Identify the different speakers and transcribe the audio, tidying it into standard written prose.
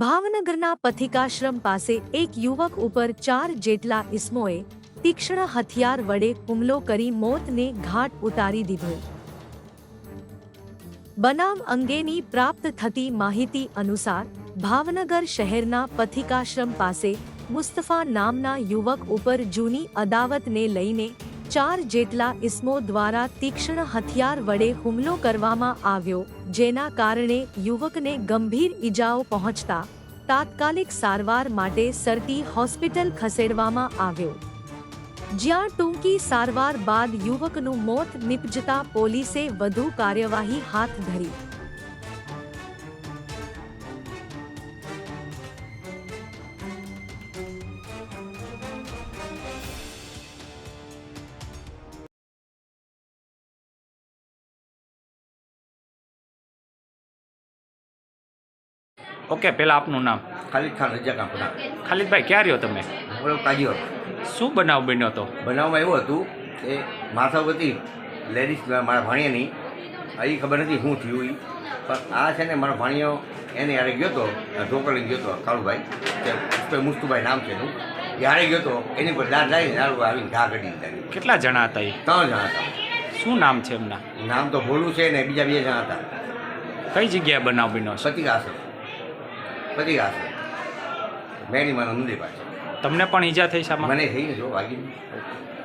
Speaker 1: ભાવનગરના પથિકાશ્રમ પાસે એક યુવક ઉપર 4 જેટલા ઇસમોએ તીક્ષ્ણ હથિયાર વડે હુમલો કરી મોતને ઘાટ ઉતારી દીધો। બનાવ અંગેની પ્રાપ્ત થતી માહિતી અનુસાર ભાવનગર શહેરના પથિકાશ્રમ પાસે મુસ્તફા નામના યુવક ઉપર જૂની અદાવતને લઈને 4 જેટલા ઇસમો દ્વારા તીક્ષ્ણ હથિયાર વડે હુમલો કરવામાં આવ્યો, જેના કારણે યુવકને ગંભીર ઈજાઓ પહોંચતા તાત્કાલિક સારવાર માટે સરટી હોસ્પિટલ ખસેડવામાં આવ્યો, જ્યાં ટૂંકી સારવાર બાદ યુવકનું મોત નીપજતા પોલીસે વધુ કાર્યવાહી હાથ ધરી।
Speaker 2: ઓકે, પહેલાં આપનું નામ?
Speaker 3: ખાલિદ ખાન રજા કાપડા।
Speaker 2: ખાલિદભાઈ, ક્યાં રહ્યો તમે?
Speaker 3: બોલો કાજીઓ।
Speaker 2: શું બનાવ બન્યો હતો?
Speaker 3: બનાવમાં એવું હતું કે માથાવતી લેડીઝ મારા ભાણિયાની એ ખબર નથી શું થયું એ, પણ આ છે ને મારો ભાણિયો એને યારે ગયો હતો, ઢોકળી ગયો હતો કાળુભાઈ, તે મુસ્તુભાઈ નામ છે એનું, યારે ગયો હતો એની પર દાદ લાવીને દારૂ આવીને ઘા કાઢી દીધા।
Speaker 2: કેટલા જણા હતા એ?
Speaker 3: 3 જણા હતા।
Speaker 2: શું નામ છે એમના?
Speaker 3: નામ તો ભોલું છે ને બીજા 2 જણા હતા।
Speaker 2: કઈ જગ્યાએ બનાવ બન્યો છે?
Speaker 3: પતિકાશ્રમ મેરીમાના મંદિર પાસે।
Speaker 2: તમને પણ ઈજા થઈ છે?
Speaker 3: મને થઈ ને જો વાગી